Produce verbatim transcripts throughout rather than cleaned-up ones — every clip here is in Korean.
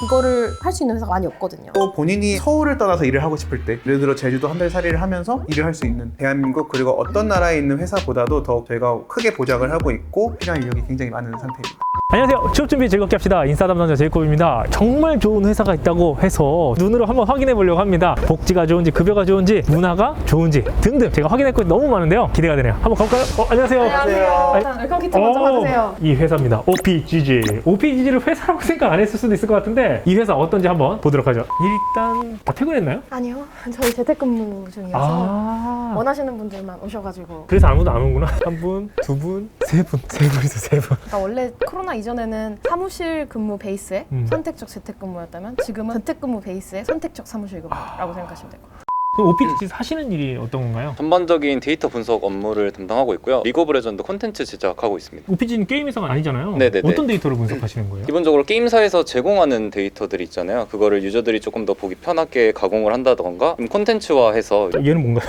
그거를 할 수 있는 회사가 많이 없거든요. 또 본인이 서울을 떠나서 일을 하고 싶을 때 예를 들어 제주도 한 달 살이를 하면서 일을 할 수 있는 대한민국 그리고 어떤 나라에 있는 회사보다도 더 저희가 크게 보장을 하고 있고 필요한 인력이 굉장히 많은 상태입니다. 안녕하세요. 취업 준비 즐겁게 합시다. 인싸 담당자 제이콥입니다. 정말 좋은 회사가 있다고 해서 눈으로 한번 확인해 보려고 합니다. 복지가 좋은지, 급여가 좋은지, 문화가 좋은지 등등 제가 확인했고 너무 많은데요. 기대가 되네요. 한번 가볼까요? 어, 안녕하세요. 안녕하세요. 일단 웰컴 키트 먼저 어, 받으세요. 이 회사입니다. 오피지지. 오피지지를 회사라고 생각 안 했을 수도 있을 것 같은데 이 회사 어떤지 한번 보도록 하죠. 일단 다 퇴근했나요? 아니요. 저희 재택근무 중이어서 아. 원하시는 분들만 오셔가지고. 그래서 아무도 안 오는구나. 한 분, 두 분, 세 분, 세 분이서 세 분. 그러니까 원래 코로나 이전에는 사무실 근무 베이스의 음. 선택적 재택근무였다면 지금은 재택근무 베이스의 선택적 사무실 근무라고 아. 생각하시면 될 것 같아요. 그럼 오피지지 하시는 일이 어떤 건가요? 전반적인 데이터 분석 업무를 담당하고 있고요. 리그 오브 레전드 콘텐츠 제작하고 있습니다. 오피지는 게임 회사가 아니잖아요. 네네네. 어떤 데이터를 분석하시는 거예요? 기본적으로 게임사에서 제공하는 데이터들이 있잖아요. 그거를 유저들이 조금 더 보기 편하게 가공을 한다던가 좀 콘텐츠화해서 얘는 뭔가요?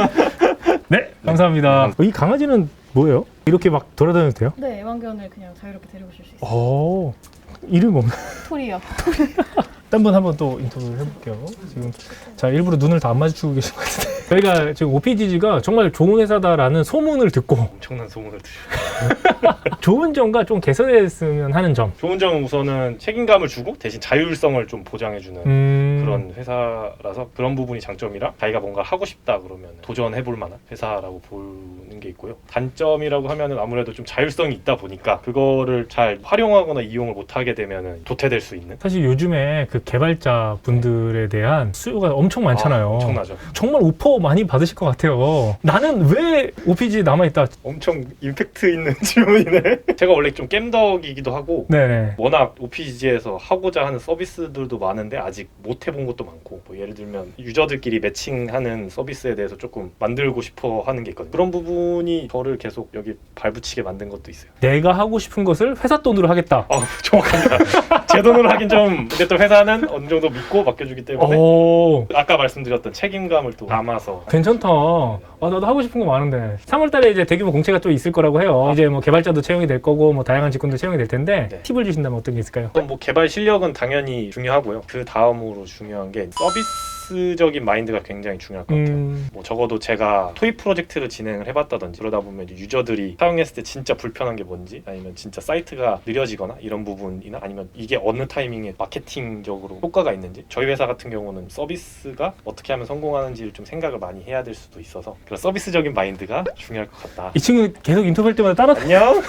네, 감사합니다. 이 강아지는 뭐예요? 이렇게 막 돌아다녀도 돼요? 네, 애완견을 그냥 자유롭게 데리고 오실 수 있어요. 오, 이름이 없나? 토리요. 딴 분 한번 또 인터뷰를 해볼게요. 지금 자 일부러 눈을 다 안 마주치고 계신 것 같은데 저희가 지금 오피지지가 정말 좋은 회사다라는 소문을 듣고 엄청난 소문을 들으셨어요. 좋은 점과 좀 개선했으면 하는 점. 좋은 점은 우선은 책임감을 주고 대신 자율성을 좀 보장해주는 음... 그런 회사라서 그런 부분이 장점이라 자기가 뭔가 하고 싶다 그러면 도전해볼 만한 회사라고 보는 게 있고요. 단점이라고 하면은 아무래도 좀 자율성이 있다 보니까 그거를 잘 활용하거나 이용을 못하게 되면은 도태될 수 있는. 사실 요즘에 그 개발자 분들에 대한 수요가 엄청 많잖아요. 아, 엄청나죠. 정말 오퍼 많이 받으실 것 같아요. 나는 왜 오피지 남아있다? 엄청 임팩트 있는 질문이네. 제가 원래 좀 겜덕이기도 하고 네네. 워낙 오피지지에서 하고자 하는 서비스들도 많은데 아직 못 해본 것도 많고 뭐 예를 들면 유저들끼리 매칭하는 서비스에 대해서 조금 만들고 싶어 하는 게 있거든요. 그런 부분이 저를 계속 여기 발붙이게 만든 것도 있어요. 내가 하고 싶은 것을 회사 돈으로 하겠다. 아 정확합니다. 제 돈으로 하긴 좀 근데 또 회사는 어느 정도 믿고 맡겨주기 때문에 오, 아까 말씀드렸던 책임감을 또 담아서 괜찮다. 아, 나도 하고 싶은 거 많은데. 삼월 달에 이제 대규모 공채가 또 있을 거라고 해요. 이제 뭐 개발자도 채용이 될 거고, 뭐 다양한 직군도 채용이 될 텐데, 네. 팁을 주신다면 어떤 게 있을까요? 뭐 개발 실력은 당연히 중요하고요. 그 다음으로 중요한 게 서비스적인 마인드가 굉장히 중요할 것 같아요. 음, 뭐 적어도 제가 토익 프로젝트를 진행을 해봤다든지 그러다 보면 이제 유저들이 사용했을 때 진짜 불편한 게 뭔지 아니면 진짜 사이트가 느려지거나 이런 부분이나 아니면 이게 어느 타이밍에 마케팅적으로 효과가 있는지 저희 회사 같은 경우는 서비스가 어떻게 하면 성공하는지를 좀 생각을 많이 해야 될 수도 있어서 그런 서비스적인 마인드가 중요할 것 같다. 이 친구 계속 인터뷰할 때마다 따라 안녕?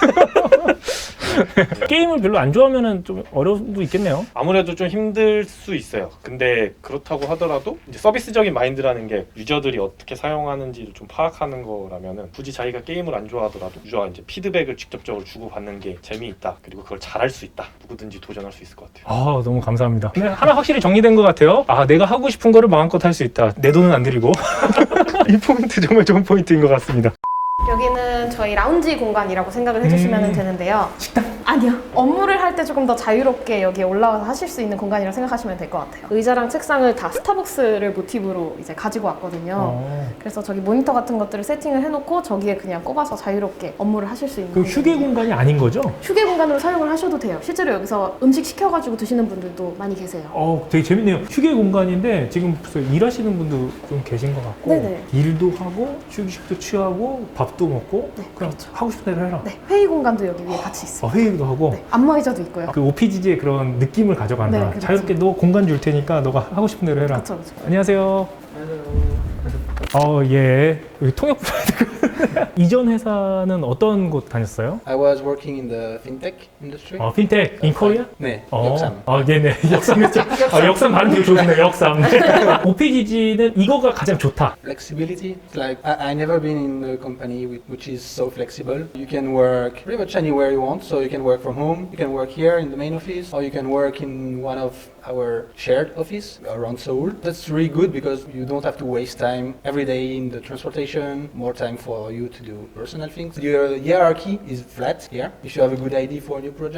게임을 별로 안 좋아하면은 좀 어려움도 있겠네요. 아무래도 좀 힘들 수 있어요. 근데 그렇다고 하더라도 이제 서비스적인 마인드라는 게 유저들이 어떻게 사용하는지를 좀 파악하는 거라면은 굳이 자기가 게임을 안 좋아하더라도 유저가 이제 피드백을 직접적으로 주고받는 게 재미있다. 그리고 그걸 잘할 수 있다. 누구든지 도전할 수 있을 것 같아요. 아, 너무 감사합니다. 네, 하나 확실히 정리된 것 같아요. 아, 내가 하고 싶은 거를 마음껏 할 수 있다. 내 돈은 안 들이고. 이 포인트 정말 좋은 포인트인 것 같습니다. 여기는 저희 라운지 공간이라고 생각을 해주시면 음. 되는데요. 식당? 아니요. 업무를 할 때 조금 더 자유롭게 여기에 올라와서 하실 수 있는 공간이라고 생각하시면 될 것 같아요. 의자랑 책상을 다 스타벅스를 모티브로 이제 가지고 왔거든요. 어. 그래서 저기 모니터 같은 것들을 세팅을 해놓고 저기에 그냥 꼽아서 자유롭게 업무를 하실 수 있는 그 휴게 공간이 아닌 거죠? 휴게 공간으로 사용을 하셔도 돼요. 실제로 여기서 음식 시켜가지고 드시는 분들도 많이 계세요. 어, 되게 재밌네요. 휴게 공간인데 지금 벌써 일하시는 분도 좀 계신 것 같고 네네. 일도 하고 휴식도 취하고 밥도 먹고 네, 그냥 그렇죠. 하고 싶은 대로 해라. 네, 회의 공간도 여기 위에 같이 어, 있어요. 회의도 하고 네, 안마의자도 있고요. 그 오피지지의 그런 느낌을 가져간다. 네, 그렇죠. 자유롭게 너 공간 줄 테니까 너가 하고 싶은 대로 해라. 그렇죠, 그렇죠. 안녕하세요. 어, 예. 여기 통역 이전 회사는 어떤 곳 다녔어요? I was working in the fintech industry. 어, 핀텍 인 코리아? 네, 어, 역삼. 아, 네네. 역삼이죠. 아, 역삼 발음 되게 좋으시네요. 역삼. 네. 오피지지는 이거가 가장 좋다. Flexibility. It's like I, I never been in a company with, which is so flexible. You can work pretty much anywhere you want. So you can work from home. You can work here in the main office, or you can work in one of our shared office around Seoul. That's really good because you don't have to waste time every day in the transportation. More time for you to do personal things. Your hierarchy is flat here. If you have a good idea for a new project,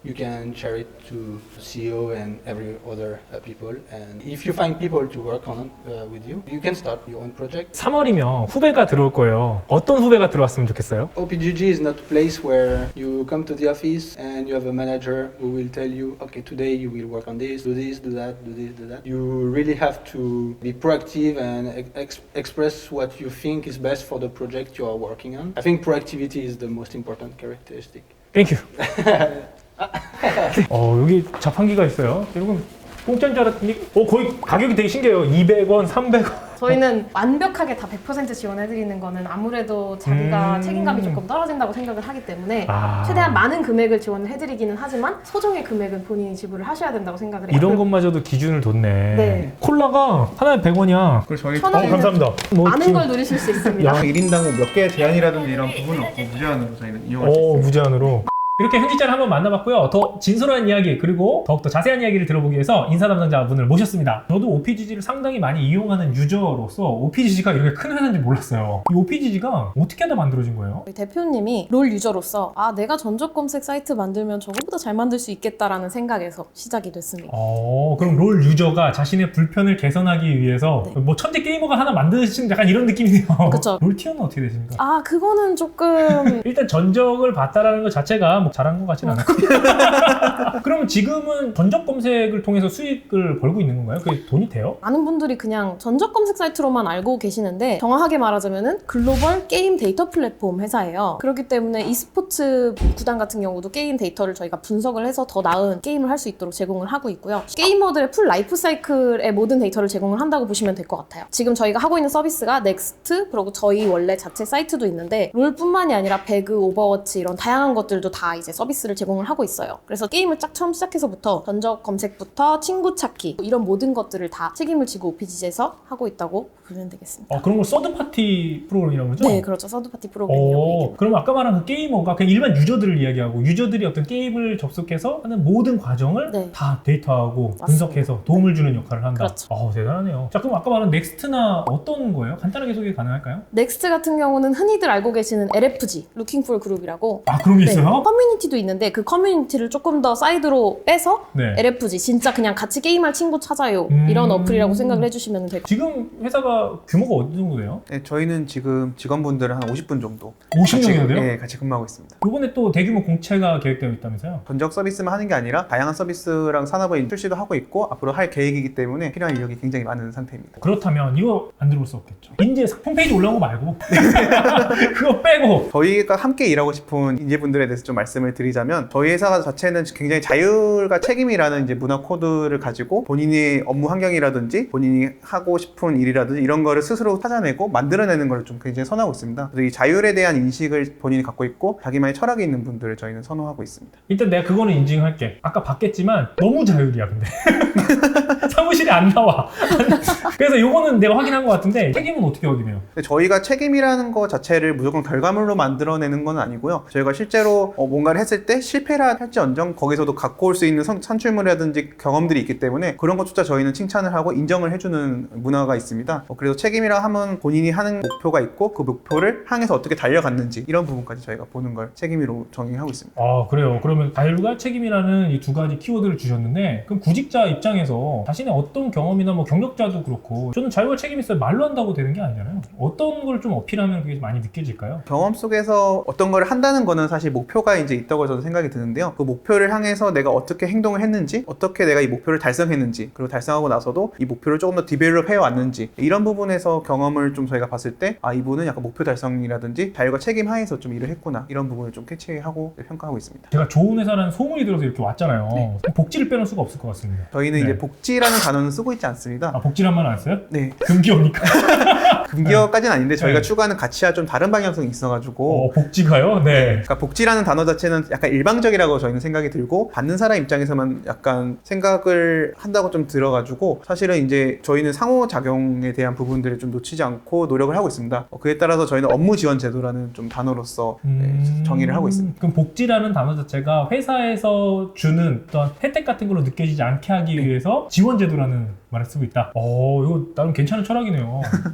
you can share it to C E O and every other uh, people. And if you find people to work on uh, with you, you can start your own project. 삼월이면 후배가 들어올 거예요. 어떤 후배가 들어왔으면 좋겠어요? O P G G is not a place where you come to the office and you have a manager who will tell you, okay, today you will work on this, do this, do that, do this, do that. You really have to be proactive and ex- express what you think is best for the project you are working on. I think proactivity is the most important characteristic. 땡큐. 어, 여기 자판기가 있어요. 여러분 공짜인 줄 알았더니 어, 거의 가격이 되게 신기해요. 이백 원, 삼백 원. 저희는 완벽하게 다 백 퍼센트 지원해드리는 거는 아무래도 자기가 음. 책임감이 조금 떨어진다고 생각을 하기 때문에 아. 최대한 많은 금액을 지원을 해드리기는 하지만 소정의 금액은 본인이 지불을 하셔야 된다고 생각을 해요. 이런 것마저도 기준을 뒀네. 네. 콜라가 하나에 백 원이야. 그리고 저희 천 어, 원이면 감사합니다. 뭐 많은 지금- 걸 누리실 수 있습니다. 일 인당 몇 개 제한이라든지 이런 부분은 없고 무제한으로 저희는 이용할 수 오, 있습니다. 무제한으로. 이렇게 현지자를 한번 만나봤고요. 더 진솔한 이야기 그리고 더욱더 자세한 이야기를 들어보기 위해서 인사 담당자분을 모셨습니다. 저도 오피지지를 상당히 많이 이용하는 유저로서 오피지지가 이렇게 큰 회사인지 몰랐어요. 이 오피지지가 어떻게 하다 만들어진 거예요? 저희 대표님이 롤 유저로서 아 내가 전적 검색 사이트 만들면 저거보다 잘 만들 수 있겠다라는 생각에서 시작이 됐습니다. 어, 그럼 롤 유저가 자신의 불편을 개선하기 위해서 네. 뭐 천재 게이머가 하나 만드신 약간 이런 느낌이네요. 그쵸. 롤 티어는 어떻게 되십니까? 아 그거는 조금 일단 전적을 봤다라는 것 자체가 뭐 잘한 것 같진 않아요. 그러면 지금은 전적 검색을 통해서 수익을 벌고 있는 건가요? 그게 돈이 돼요? 많은 분들이 그냥 전적 검색 사이트로만 알고 계시는데 정확하게 말하자면은 글로벌 게임 데이터 플랫폼 회사예요. 그렇기 때문에 e스포츠 구단 같은 경우도 게임 데이터를 저희가 분석을 해서 더 나은 게임을 할 수 있도록 제공을 하고 있고요. 게이머들의 풀 라이프 사이클의 모든 데이터를 제공을 한다고 보시면 될 것 같아요. 지금 저희가 하고 있는 서비스가 넥스트 그리고 저희 원래 자체 사이트도 있는데 롤뿐만이 아니라 배그, 오버워치 이런 다양한 것들도 다 이제 서비스를 제공을 하고 있어요. 그래서 게임을 딱 처음 시작해서부터 전적 검색부터 친구 찾기 이런 모든 것들을 다 책임을 지고 오피지지에서 하고 있다고 보면 되겠습니다. 어, 그런 걸 서드파티 프로그램이라고 그러죠? 네, 그렇죠. 서드파티 프로그램이라고 오, 얘기해요. 그럼 아까 말한 그 게이머가 그냥 일반 유저들을 이야기하고 유저들이 어떤 게임을 접속해서 하는 모든 과정을 네. 다 데이터하고 맞습니다. 분석해서 도움을 주는 역할을 한다. 그렇죠. 어, 대단하네요. 자, 그럼 아까 말한 넥스트나 어떤 거예요? 간단하게 소개 가능할까요? 넥스트 같은 경우는 흔히들 알고 계시는 엘에프지, Looking for Group이라고 아, 그런 게 네, 있어요? 커뮤니티도 있는데 그 커뮤니티를 조금 더 사이드로 빼서 네. 엘에프지 진짜 그냥 같이 게임할 친구 찾아요 음. 이런 어플이라고 생각을 해주시면 될 것 지금 회사가 규모가 어느 정도 돼요? 네, 저희는 지금 직원분들은 한 오십 분 정도 오십 같이, 명이나 돼요? 네, 같이 근무하고 있습니다. 요번에 또 대규모 공채가 계획되어 있다면서요? 전적 서비스만 하는 게 아니라 다양한 서비스랑 산업을 출시도 하고 있고 앞으로 할 계획이기 때문에 필요한 인력이 굉장히 많은 상태입니다. 그렇다면 이거 안 들어볼 수 없겠죠. 인재 홈페이지 올라온 거 말고 그거 빼고 저희가 함께 일하고 싶은 인재분들에 대해서 좀 말씀을 드리자면 저희 회사 자체는 굉장히 자율과 책임이라는 이제 문화 코드를 가지고 본인의 업무 환경이라든지 본인이 하고 싶은 일이라든지 이런 거를 스스로 찾아내고 만들어내는 걸 좀 굉장히 선호하고 있습니다. 그래서 이 자율에 대한 인식을 본인이 갖고 있고 자기만의 철학이 있는 분들을 저희는 선호하고 있습니다. 일단 내가 그거는 인증할게. 아까 봤겠지만 너무 자율이야 근데 사무실에 안 나와. 그래서 요거는 내가 확인한 것 같은데 책임은 어떻게 확인해요? 근데 저희가 책임이라는 거 자체를 무조건 결과물로 만들어내는 건 아니고요. 저희가 실제로 어, 뭔가를 했을 때 실패라 할지언정 거기서도 갖고 올 수 있는 선, 산출물이라든지 경험들이 있기 때문에 그런 것조차 저희는 칭찬을 하고 인정을 해주는 문화가 있습니다. 어, 그래서 책임이라 하면 본인이 하는 목표가 있고 그 목표를 향해서 어떻게 달려갔는지 이런 부분까지 저희가 보는 걸 책임으로 정의하고 있습니다. 아 그래요. 그러면 자율과 책임이라는 이 두 가지 키워드를 주셨는데 그럼 구직자 입장에서 자신의 어떤 경험이나 뭐 경력자도 그렇고 저는 자율과 책임이 있어요 말로 한다고 되는 게 아니잖아요. 어떤 걸 좀 어필하면 그게 많이 느껴질까요? 경험 속에서 어떤 걸 한다는 거는 사실 목표가 이제 있다고 저는 생각이 드는데요. 그 목표를 향해서 내가 어떻게 행동을 했는지, 어떻게 내가 이 목표를 달성했는지, 그리고 달성하고 나서도 이 목표를 조금 더 디벨롭 해왔는지 이런 부분에서 경험을 좀 저희가 봤을 때 아 이분은 약간 목표 달성이라든지 자율과 책임 하에서 좀 일을 했구나 이런 부분을 좀 캐치하고 평가하고 있습니다. 제가 좋은 회사라는 소문이 들어서 이렇게 왔잖아요. 네. 복지를 빼놓을 수가 없을 것 같습니다. 저희는 네. 이제 복지라는 단어는 쓰고 있지 않습니다. 아 복지란만 안 써요? 네, 금기어니까. 금기어까지는 아닌데 저희가 네. 추구하는 가치와 좀 다른 방향성이 있어가지고 어, 복지가요? 네. 그러니까 복지라는 단어 자체는 약간 일방적이라고 저희는 생각이 들고 받는 사람 입장에서만 약간 생각을 한다고 좀 들어가지고 사실은 이제 저희는 상호작용에 대한 부분들을 좀 놓치지 않고 노력을 하고 있습니다. 어, 그에 따라서 저희는 업무 지원 제도라는 좀 단어로서 네, 음... 정의를 하고 있습니다. 그럼 복지라는 단어 자체가 회사에서 주는 어떤 혜택 같은 걸로 느껴지지 않게 하기 네. 위해서 지원 제도라는 말을 쓰고 있다. 어, 이거 나름 괜찮은 철학이네요. 자, 그럼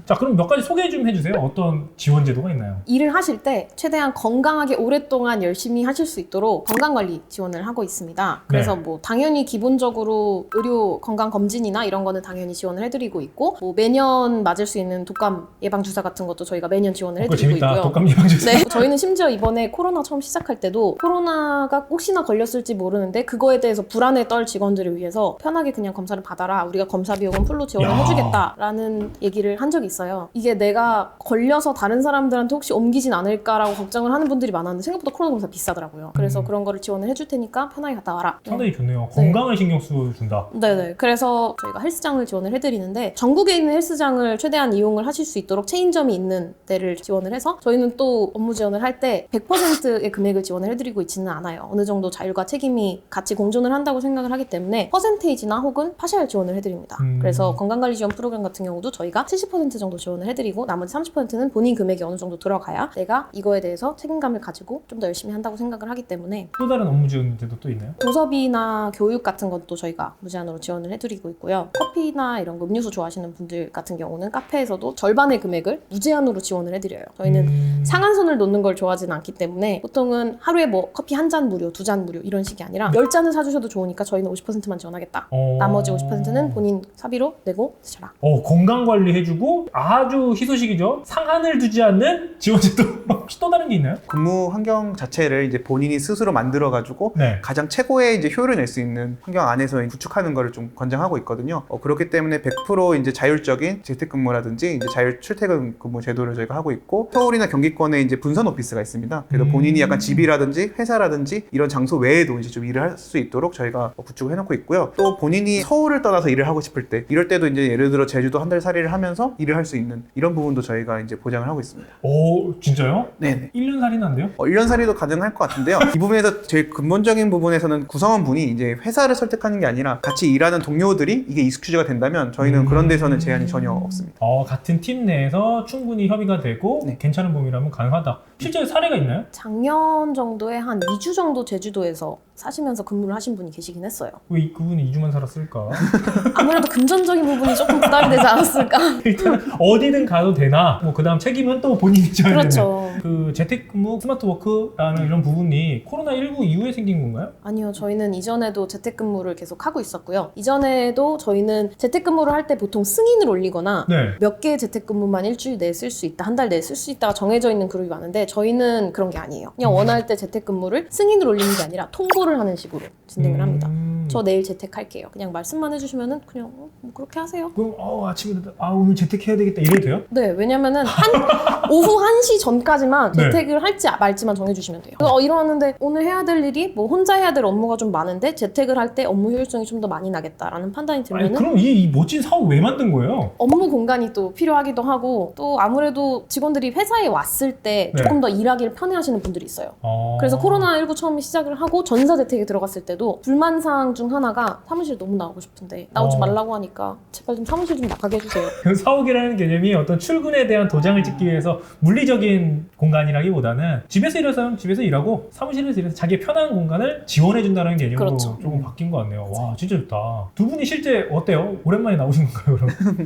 몇 가지 소개 좀 해주세요. 어떤 지원 제도가 있나요? 일을 하실 때 최대한 건강하게 오랫동안 열심히 하실 수 있도록 건강관리 지원을 하고 있습니다. 그래서 네. 뭐 당연히 기본적으로 의료 건강 검진이나 이런 거는 당연히 지원을 해드리고 있고 뭐 매년 맞을 수 있는 독감 예방 주사 같은 것도 저희가 매년 지원을 어, 그거 해드리고 재밌다. 있고요. 독감 예방 주사. 네, 저희는 심지어 이번에 코로나 처음 시작할 때도 코로나가 혹시나 걸렸을지 모르는데 그거에 대해서 불안에 떨 직원들을 위해서 편하게 그냥 검사를 받아라. 우리가 검사 비용은 풀로 지원을 야. 해주겠다라는 얘기를 한 적이 있어요. 이게 내가 걸려서 다른 사람들한테 혹시 옮기진 않을까라고 걱정을 하는 분들이 많았는데 생각보다 코로나 검사 비싸더라고요. 그래서 음. 그런 거를 지원을 해줄 테니까 편하게 갔다 와라. 상당히 좋네요. 건강을 신경 써준다. 네네. 그래서 저희가 헬스장을 지원을 해드리는데 전국에 있는 헬스장을 최대한 이용을 하실 수 있도록 체인점이 있는 데를 지원을 해서 저희는 또 업무 지원을 할 때 백 퍼센트의 금액을 지원을 해드리고 있지는 않아요. 어느 정도 자율과 책임이 같이 공존을 한다고 생각을 하기 때문에 퍼센테이지나 혹은 파셜 지원을 해드립니다. 음. 그래서 건강관리 지원 프로그램 같은 경우도 저희가 칠십 퍼센트 정도 지원을 해드리고 나머지 삼십 퍼센트는 본인 금액이 어느 정도 들어가야 내가 이거에 대해서 책임감을 가지고 좀 더 열심히 한다고 생각을 하기 때문에 또 다른 업무 지원 제도 또 있나요? 도서비나 교육 같은 것도 저희가 무제한으로 지원을 해드리고 있고요. 커피나 이런 거 음료수 좋아하시는 분들 같은 경우는 카페에서도 절반의 금액을 무제한으로 지원을 해드려요. 저희는 음... 상한선을 놓는 걸 좋아하지는 않기 때문에 보통은 하루에 뭐 커피 한 잔 무료, 두 잔 무료 이런 식이 아니라 열 잔을 사주셔도 좋으니까 저희는 오십 퍼센트만 지원하겠다. 어... 나머지 오십 퍼센트는 본인 사비로 내고 드셔라. 어, 건강관리 해주고 아주 희소식이죠. 상한을 두지 않는 지원 제도. 혹시 또 다른 게 있나요? 근무 환경 자체를 이제 본인이 스스로 만들어 가지고 네. 가장 최고의 이제 효율을 낼 수 있는 환경 안에서 구축하는 것을 좀 권장하고 있거든요. 어, 그렇기 때문에 백 퍼센트 이제 자율적인 재택근무라든지 이제 자율 출퇴근 근무 제도를 저희가 하고 있고 서울이나 경기권에 이제 분산 오피스가 있습니다. 그래서 음. 본인이 약간 집이라든지 회사라든지 이런 장소 외에도 이제 좀 일을 할 수 있도록 저희가 구축을 해놓고 있고요. 또 본인이 서울을 떠나서 일을 하고 싶을 때 이럴 때도 이제 예를 들어 제주도 한 달 살이를 하면서 일을 할 수 있는 이런 부분도 저희가 이제 보장을 하고 있습니다. 오, 진짜요? 네네. 일 년 살이는 안 돼요? 어, 일 년 살이도 가능할 것 같은데요. 이 부분에서 제일 근본적인 부분에서는 구성원분이 이제 회사를 설득하는 게 아니라 같이 일하는 동료들이 이게 익스큐즈가 된다면 저희는 음. 그런 데서는 제한이 전혀 없습니다. 어, 같은 팀 내에서 충분히 협의가 되고 네. 괜찮은 범위라면 가능하다. 실제 사례가 있나요? 작년 정도에 한 이 주 정도 제주도에서 사시면서 근무를 하신 분이 계시긴 했어요. 왜 이- 그분이 이 주만 살았을까? 아무래도 금전적인 부분이 조금 부담이 되지 않았을까? 일단 어디든 가도 되나? 뭐 그다음 책임은 또 본인이 져야 되는. 그렇죠. 그 재택근무, 스마트워크라는 이런 부분이 코로나십구 이후에 생긴 건가요? 아니요, 저희는 이전에도 재택근무를 계속 하고 있었고요. 이전에도 저희는 재택근무를 할 때 보통 승인을 올리거나 네. 몇 개의 재택근무만 일주일 내에 쓸 수 있다, 한 달 내에 쓸 수 있다가 정해져 있는 그룹이 많은데 저희는 그런 게 아니에요. 그냥 원할 때 재택근무를 승인을 올리는 게 아니라 통보를 하는 식으로 진행을 합니다. 음... 저 내일 재택할게요. 그냥 말씀만 해주시면은 그냥 어, 뭐 그렇게 하세요. 그럼 어, 아침에 아 오늘 재택해야 되겠다 이래도 돼요? 네, 왜냐면은 한 오후 한 시 전까지만 네. 재택을 할지 말지만 정해주시면 돼요. 그래서 어, 일어났는데 오늘 해야 될 일이 뭐 혼자 해야 될 업무가 좀 많은데 재택을 할 때 업무 효율성이 좀 더 많이 나겠다라는 판단이 들면은 아니 그럼 이, 이 멋진 사업 왜 만든 거예요? 업무 공간이 또 필요하기도 하고 또 아무래도 직원들이 회사에 왔을 때 네. 조금 더 일하기를 편해하시는 분들이 있어요. 어... 그래서 코로나십구 처음 시작을 하고 전사 재택에 들어갔을 때도 불만사항 중 하나가 사무실 너무 나오고 싶은데 나오지 어. 말라고 하니까 제발 좀 사무실 좀 나가게 해주세요. 그 사옥이라는 개념이 어떤 출근에 대한 도장을 찍기 위해서 물리적인 공간이라기보다는 집에서 일하면 집에서 일하고 사무실에서 일해서 자기의 편한 공간을 지원해준다는 개념으로 그렇죠. 조금 바뀐 것 같네요. 와 진짜 좋다. 두 분이 실제 어때요? 오랜만에 나오신 건가요 그럼?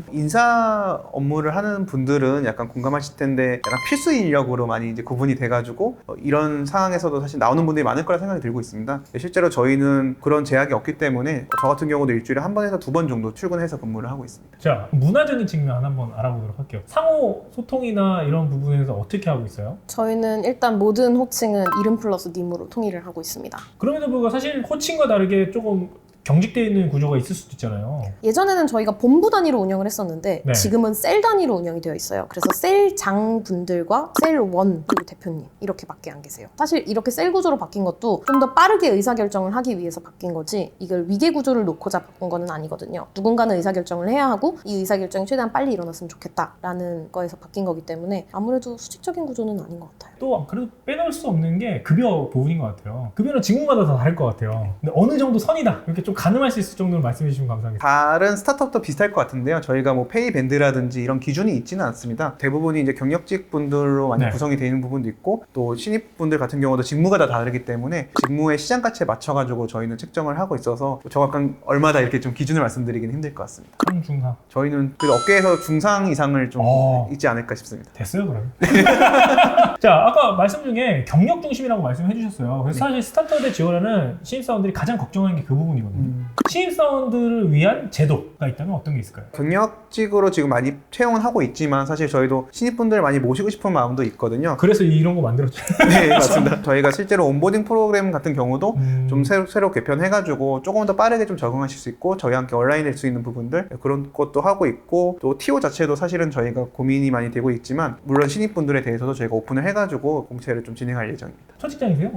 인사 업무를 하는 분들은 약간 공감하실 텐데 약간 필수 인력으로 많이 이제 구분이 돼가지고 어, 이런 상황에서도 사실 나오는 분들이 많을 거라 생각이 들고 있습니다. 실제로 저희는 그런 제약이 없기 때문에 저 같은 경우도 일주일에 한 번에서 두 번 정도 출근해서 근무를 하고 있습니다. 자 문화적인 측면 한번 알아보도록 할게요. 상호 소통이나 이런 부분에서 어떻게 하고 있어요? 저희는 일단 모든 호칭은 이름 플러스 님으로 통일을 하고 있습니다. 그럼에도 불구하고 사실 호칭과 다르게 조금 경직되어 있는 구조가 있을 수도 있잖아요. 예전에는 저희가 본부 단위로 운영을 했었는데 네. 지금은 셀 단위로 운영이 되어 있어요. 그래서 셀장 분들과 셀원 그리고 대표님 이렇게밖에 안 계세요. 사실 이렇게 셀 구조로 바뀐 것도 좀 더 빠르게 의사결정을 하기 위해서 바뀐 거지 이걸 위계 구조를 놓고자 바꾼 거는 아니거든요. 누군가는 의사결정을 해야 하고 이 의사결정이 최대한 빨리 일어났으면 좋겠다라는 거에서 바뀐 거기 때문에 아무래도 수직적인 구조는 아닌 것 같아요. 또 그래도 빼놓을 수 없는 게 급여 부분인 것 같아요. 급여는 직무마다 다 다를 것 같아요. 근데 어느 정도 선이다 이렇게 좀 가늠할 수 있을 정도로 말씀해 주시면 감사하겠습니다. 다른 스타트업도 비슷할 것 같은데요. 저희가 뭐 페이 밴드라든지 이런 기준이 있지는 않습니다. 대부분이 이제 경력직 분들로 많이 네. 구성이 되어 있는 부분도 있고 또 신입 분들 같은 경우도 직무가 다 다르기 때문에 직무의 시장 가치에 맞춰가지고 저희는 책정을 하고 있어서 정확한 얼마다 이렇게 좀 기준을 말씀드리기는 힘들 것 같습니다. 상중하 저희는 그 업계에서 중상 이상을 좀 어. 있지 않을까 싶습니다. 됐어요 그러면. 자 아까 말씀 중에 경력 중심이라고 말씀해 주셨어요. 그래서 사실 스타트업에 지원하는 신입사원들이 가장 걱정하는 게 그 부분이거든요. 음. 신입사원들을 위한 제도가 있다면 어떤 게 있을까요? 경력직으로 지금 많이 채용은 하고 있지만 사실 저희도 신입분들 많이 모시고 싶은 마음도 있거든요. 그래서 이런 거 만들었죠. 네, 맞습니다. 저희가 실제로 온보딩 프로그램 같은 경우도 음. 좀 새로, 새로 개편해가지고 조금 더 빠르게 좀 적응하실 수 있고 저희와 함께 온라인 될 수 있는 부분들 그런 것도 하고 있고 또 티오 자체도 사실은 저희가 고민이 많이 되고 있지만 물론 신입분들에 대해서도 저희가 오픈을 해가지고 공채를 좀 진행할 예정입니다. 첫 직장이세요?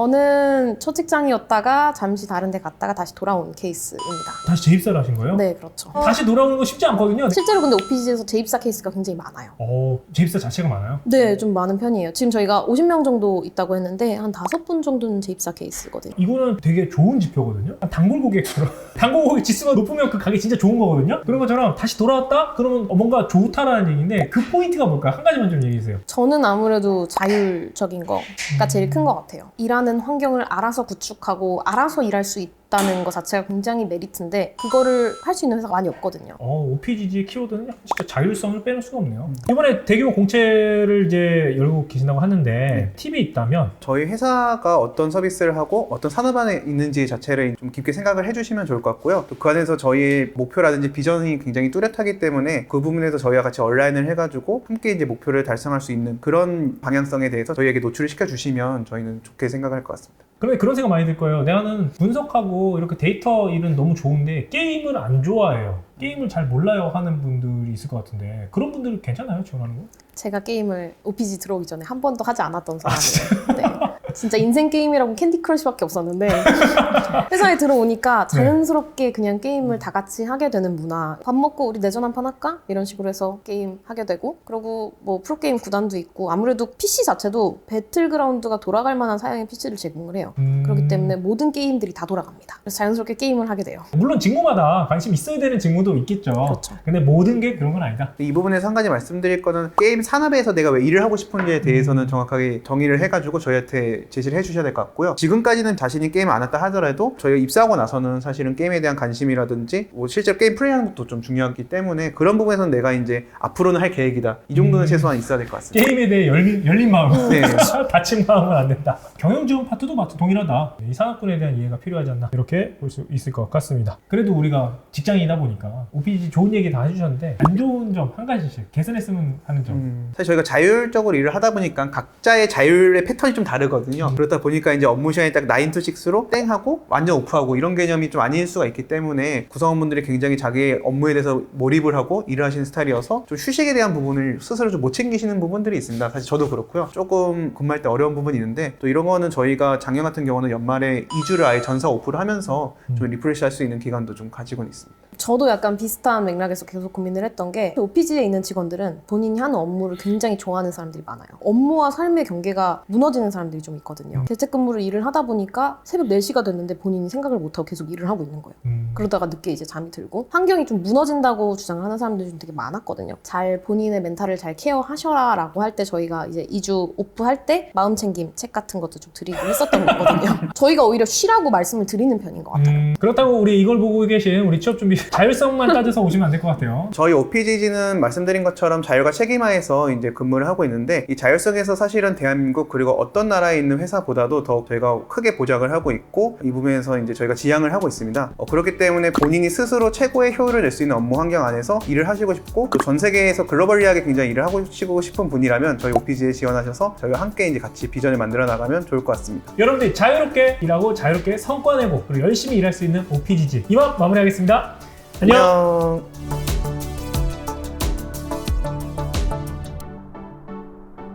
저는 첫 직장이었다가 잠시 다른 데 갔다가 다시 돌아온 케이스입니다. 다시 재입사를 하신 거예요? 네, 그렇죠. 다시 돌아오는 거 쉽지 않거든요. 실제로 근데 오피지에서 재입사 케이스가 굉장히 많아요. 어, 재입사 자체가 많아요? 네, 좀 많은 편이에요. 지금 저희가 오십 명 정도 있다고 했는데 한 다섯 분 정도는 재입사 케이스거든요. 이거는 되게 좋은 지표거든요. 단골 고객처럼 단골 고객 지수가 높으면 그 가게 진짜 좋은 거거든요. 그런 것처럼 다시 돌아왔다? 그러면 뭔가 좋다라는 얘기인데 그 포인트가 뭘까요? 한 가지만 좀 얘기해 주세요. 저는 아무래도 자율적인 거가 제일 큰 것 같아요. 일하는 환경을 알아서 구축하고 알아서 일할 수 있다는 것 자체가 굉장히 메리트인데 그거를 할 수 있는 회사가 많이 없거든요. 어, 오피지지의 키워드는 진짜 자율성을 빼놓을 수가 없네요. 이번에 대규모 공채를 이제 열고 계신다고 하는데 네. 팁이 있다면 저희 회사가 어떤 서비스를 하고 어떤 산업 안에 있는지 자체를 좀 깊게 생각을 해주시면 좋을 것 같고요. 또 그 안에서 저희의 목표라든지 비전이 굉장히 뚜렷하기 때문에 그 부분에서 저희와 같이 얼라인을 해가지고 함께 이제 목표를 달성할 수 있는 그런 방향성에 대해서 저희에게 노출을 시켜주시면 저희는 좋게 생각할 것 같습니다. 그런데 그런 생각 많이 들 거예요. 나는 분석하고 이렇게 데이터 일은 너무 좋은데 게임을 안 좋아해요. 게임을 잘 몰라요 하는 분들이 있을 것 같은데 그런 분들 괜찮아요? 지원하는 거? 제가 게임을 오피지 들어오기 전에 한 번도 하지 않았던 사람이에요. 네. 진짜 인생 게임이라고 캔디 크러쉬밖에 없었는데 회사에 들어오니까 자연스럽게 그냥 게임을 다 같이 하게 되는 문화. 밥 먹고 우리 내전 한판 할까? 이런 식으로 해서 게임 하게 되고 그리고 뭐 프로게임 구단도 있고 아무래도 피씨 자체도 배틀그라운드가 돌아갈 만한 사양의 피씨를 제공을 해요. 음... 그렇기 때문에 모든 게임들이 다 돌아갑니다. 그래서 자연스럽게 게임을 하게 돼요. 물론 직무마다 관심 있어야 되는 직무도 있겠죠. 그렇죠. 근데 모든 게 그런 건 아니다. 이 부분에서 한 가지 말씀드릴 거는 게임 산업에서 내가 왜 일을 하고 싶은지에 대해서는 정확하게 정의를 해가지고 저희한테 제시를 해주셔야 될 것 같고요. 지금까지는 자신이 게임을 안 했다 하더라도 저희가 입사하고 나서는 사실은 게임에 대한 관심이라든지 뭐 실제로 게임 플레이하는 것도 좀 중요하기 때문에 그런 부분에서는 내가 이제 앞으로는 할 계획이다. 이 정도는 음. 최소한 있어야 될 것 같습니다. 게임에 대해 열린, 열린 마음, 네. 닫힌 마음은 안 된다. 경영지원 파트도 마트 동일하다. 이 산업군에 대한 이해가 필요하지 않나 이렇게 볼 수 있을 것 같습니다. 그래도 우리가 직장이다 보니까 오피지 좋은 얘기 다 해주셨는데 안 좋은 점 한 가지씩 개선했으면 하는 점. 음, 사실 저희가 자율적으로 일을 하다 보니까 각자의 자율의 패턴이 좀 다르거든요. 음. 그렇다 보니까 이제 업무 시간이 딱 나인 투 식스로 땡 하고 완전 오프하고 이런 개념이 좀 아닐 수가 있기 때문에 구성원분들이 굉장히 자기의 업무에 대해서 몰입을 하고 일을 하시는 스타일이어서 좀 휴식에 대한 부분을 스스로 좀 못 챙기시는 부분들이 있습니다. 사실 저도 그렇고요. 조금 근무할 때 어려운 부분이 있는데 또 이런 거는 저희가 작년 같은 경우는 연말에 이 주를 아예 전사 오프를 하면서 좀 리프레시 할 수 있는 기간도 좀 가지고는 있습니다. 저도 약간 비슷한 맥락에서 계속 고민을 했던 게 오피지에 있는 직원들은 본인이 하는 업무를 굉장히 좋아하는 사람들이 많아요. 업무와 삶의 경계가 무너지는 사람들이 좀 있거든요. 재택근무를 일을 하다 보니까 새벽 네 시가 됐는데 본인이 생각을 못하고 계속 일을 하고 있는 거예요. 음. 그러다가 늦게 이제 잠이 들고 환경이 좀 무너진다고 주장을 하는 사람들이 좀 되게 많았거든요. 잘 본인의 멘탈을 잘 케어하셔라 라고 할 때 저희가 이제 이 주 오프할 때 마음 챙김 책 같은 것도 좀 드리고 했었던 거거든요. 저희가 오히려 쉬라고 말씀을 드리는 편인 것 같아요. 음, 그렇다고 우리 이걸 보고 계신 우리 취업 준비 자율성만 따져서 오시면 안 될 것 같아요. 저희 오피지지는 말씀드린 것처럼 자율과 책임하에서 이제 근무를 하고 있는데 이 자율성에서 사실은 대한민국 그리고 어떤 나라에 있는 회사보다도 더 저희가 크게 보장을 하고 있고 이 부분에서 이제 저희가 지향을 하고 있습니다. 어, 그렇기 때문에 본인이 스스로 최고의 효율을 낼 수 있는 업무 환경 안에서 일을 하시고 싶고 또 전 세계에서 글로벌리하게 굉장히 일을 하고 싶은 분이라면 저희 오피지에 지원하셔서 저희와 함께 이제 같이 비전을 만들어 나가면 좋을 것 같습니다. 여러분들 자유롭게 일하고 자유롭게 성과 내고 그리고 열심히 일할 수 있는 오피지지 이만 마무리하겠습니다. 안녕. 안녕.